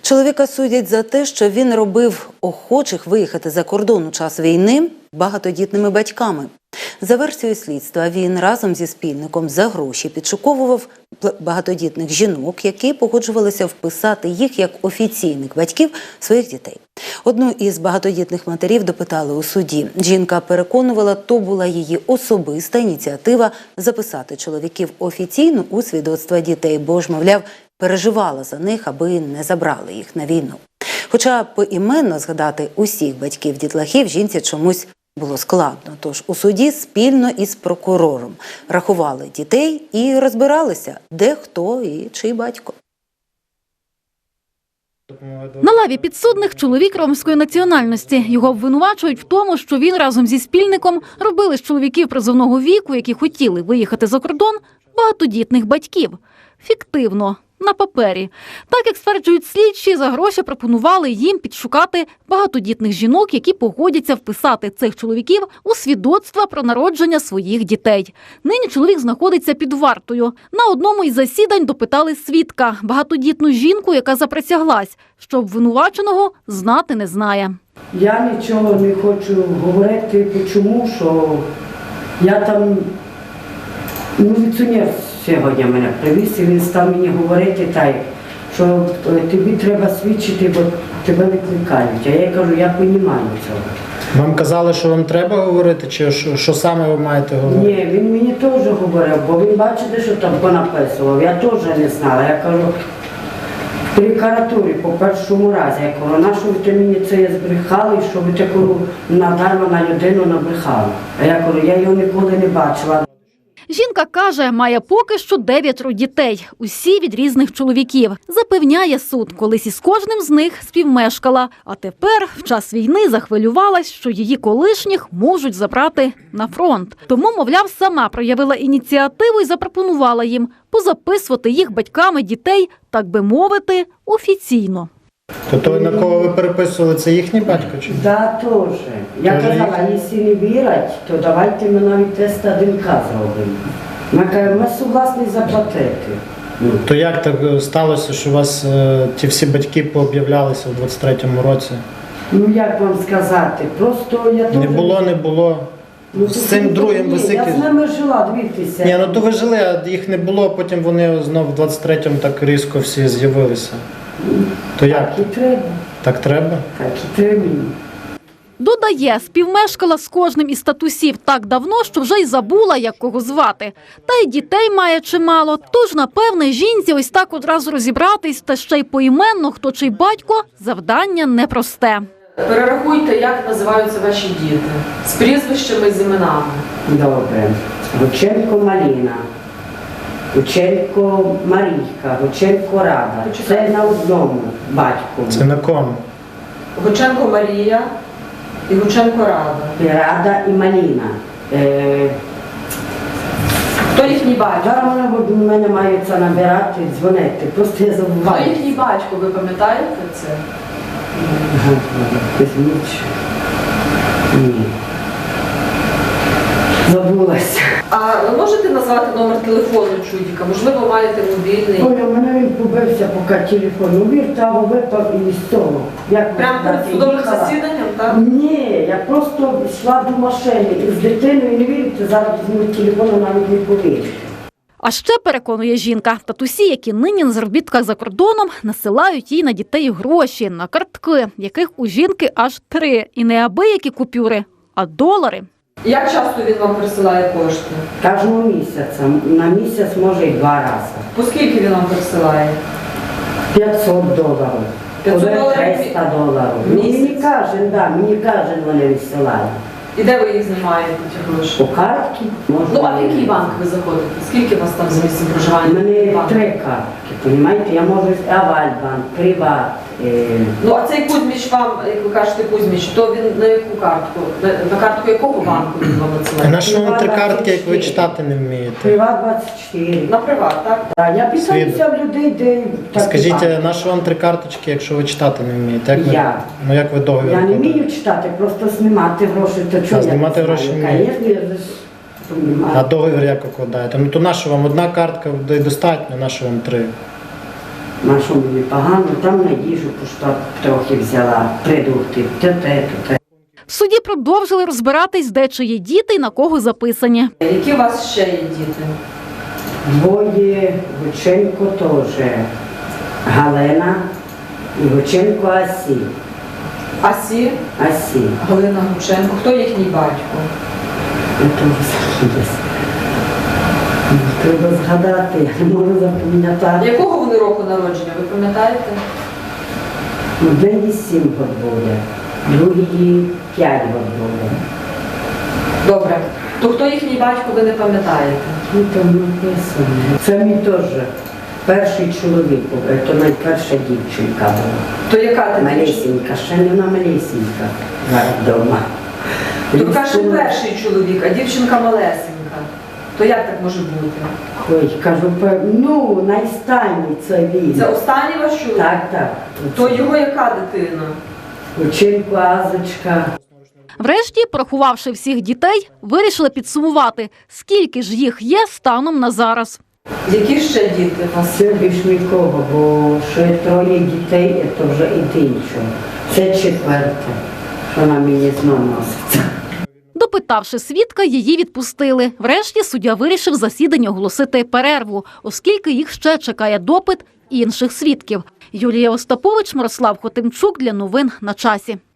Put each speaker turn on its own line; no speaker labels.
Чоловіка судять за те, що він робив охочих виїхати за кордон у час війни багатодітними батьками. За версією слідства, він разом зі спільником за гроші підшуковував багатодітних жінок, які погоджувалися вписати їх як офіційних батьків своїх дітей. Одну із багатодітних матерів допитали у суді. Жінка переконувала, то була її особиста ініціатива записати чоловіків офіційно у свідоцтва дітей, бо ж, мовляв, переживала за них, аби не забрали їх на війну. Хоча поіменно згадати усіх батьків-дітлахів жінці чомусь було складно. Тож у суді спільно із прокурором рахували дітей і розбиралися, де хто і чий батько.
На лаві підсудних чоловік ромської національності. Його обвинувачують в тому, що він разом зі спільником робили з чоловіків призовного віку, які хотіли виїхати за кордон, багатодітних батьків. Фіктивно. На папері. Так, як стверджують слідчі, за гроші пропонували їм підшукати багатодітних жінок, які погодяться вписати цих чоловіків у свідоцтва про народження своїх дітей. Нині чоловік знаходиться під вартою. На одному із засідань допитали свідка – багатодітну жінку, яка заприсяглась, що обвинуваченого знати не знає.
Я нічого не хочу говорити, чому, що я там міліціонер сьогодні мене привіз, і він став мені говорити так, що тобі треба свідчити, бо тебе викликають. А я кажу, я розумію цього.
Вам казали, що вам треба говорити, чи що саме ви маєте говорити?
Ні, він мені теж говорив, бо він бачите, що там понаписував. Я теж не знала. Я кажу, в літературі по першому разі, я кажу, на що ви мені це збрехали, що ви таку надарма на людину набрехали. А я кажу, я його ніколи не бачила.
Жінка каже, має поки що 9 дітей, усі від різних чоловіків. Запевняє суд, колись із кожним з них співмешкала, а тепер в час війни захвилювалась, що її колишніх можуть забрати на фронт. Тому, мовляв, сама проявила ініціативу і запропонувала їм позаписувати їх батьками дітей, так би мовити, офіційно.
То той, на кого ви переписували, це їхній батько? Чи?
Так, теж. Я казала, якщо не вірять, то давайте ми навіть тест ДНК зробимо. Ми кажемо, ми согласні заплатити.
То як так сталося, що у вас ті всі батьки пооб'являлися у 23-му році?
Ну, як вам сказати, просто я теж...
Не було.
Ну,
з цим другим високим...
Я з ними жила, дивіться.
Ні, ну то ви жили, а їх не було, потім вони знов в 23-му так різко всі з'явилися. То як?
Так і треба.
Так треба?
Так і треба.
Додає, співмешкала з кожним із татусів так давно, що вже й забула, як кого звати. Та й дітей має чимало, тож, напевне, жінці ось так одразу розібратись, та ще й поіменно, хто чий батько, завдання непросте.
Перерахуйте, як називаються ваші діти, з прізвищами і з іменами.
Добре. Гученко Маліна, Гученко Марійка, Гученко Рада. Це на одному батьку.
Це на кому?
Гученко Марія і Гученко Рада.
Рада і Маліна.
Хто їхній батько?
Зараз вони в мене маються набирати, дзвонити, просто я забуваю.
Хто їхній батько, ви пам'ятаєте це?
Ні. Забулася.
А ви можете назвати номер телефону чудіка? Можливо, маєте мобільний?
Оля, у мене він побився, поки телефон увір, там випав із того.
Прямо перед судовим засіданням, так?
Ні, я просто йшла до машини із дитиною, не вірите, зараз візьму телефону, навіть не повірите.
А ще, переконує жінка, татусі, які нині на заробітках за кордоном, насилають їй на дітей гроші, на картки, яких у жінки аж 3. І не абиякі купюри, а долари.
Як часто він вам присилає кошти?
Кожного місяця, на місяць може і 2 рази.
По скільки він вам присилає?
$500.
500 доларів?
$300.
Місяць?
Мені кожен вони відсилають.
І де ви їх знімаєте, ті гроші?
По картці.
Ну, а в який банк ви заходите? Скільки у вас там за місцем
У
проживання?
мене
Банк?
3 картки, розумієте? Я можу Авальбанк, Приват.
Ну, а цей Кузьміч вам, як ви кажете, Кузьміч, то він на яку картку? На картку якого банку він вам
А
надсилає?
на що вам 3 картки, як ви читати не вмієте?
Приват 24.
На приват, так?
Так, я питаюся в людей, де...
Скажіть, на що вам 3 карточки, якщо ви читати не вмієте? Як ви,
Я.
Ну як ви договір?
Я не
викладаєте?
вмію читати, просто знімати гроші, то чого я
знімати
не
гроші
знаю?
вмієте?
Звісно, я ж
А договір як укладаєте? Ну то на що вам 1 картка достатньо, на що вам 3?
На що мені погано, там на їжу пошла трохи взяла, продукти, те.
В суді продовжили розбиратись, де чиї діти і на кого записані.
Які у вас ще є діти?
Двоє, Гученко теж, Галина і Гученко Асі.
Асі,
Асі.
Галина Гученко. Хто їхній батько?
Я теж забулась. Треба згадати, я не можу запам'ятати.
Якого вони року народження, ви пам'ятаєте?
Одній 7 років буде, другій 5 років буде.
Добре. То хто їхній батько, ви не пам'ятаєте?
Ну, там написано. Це мій теж перший чоловік був, це найперша дівчинка була.
То яка ти?
Малесенька, ще не вона малесенька зараз вдома.
То каже перший чоловік, а дівчинка малесенька. То як так може бути?
Ой, кажу, ну, найстанній це він.
Це останній ваш чоловік?
Так.
То його яка дитина?
Учинку Азочка.
Врешті, порахувавши всіх дітей, вирішили підсумувати, скільки ж їх є станом на зараз.
Які ще діти?
А все більш нікого, бо ще 3 дітей, це вже іншого. Це 4, що на мені знов носиться.
Допитавши свідка, її відпустили. Врешті суддя вирішив засідання оголосити перерву, оскільки їх ще чекає допит інших свідків. Юлія Остапович, Мирослав Хотимчук для новин на часі.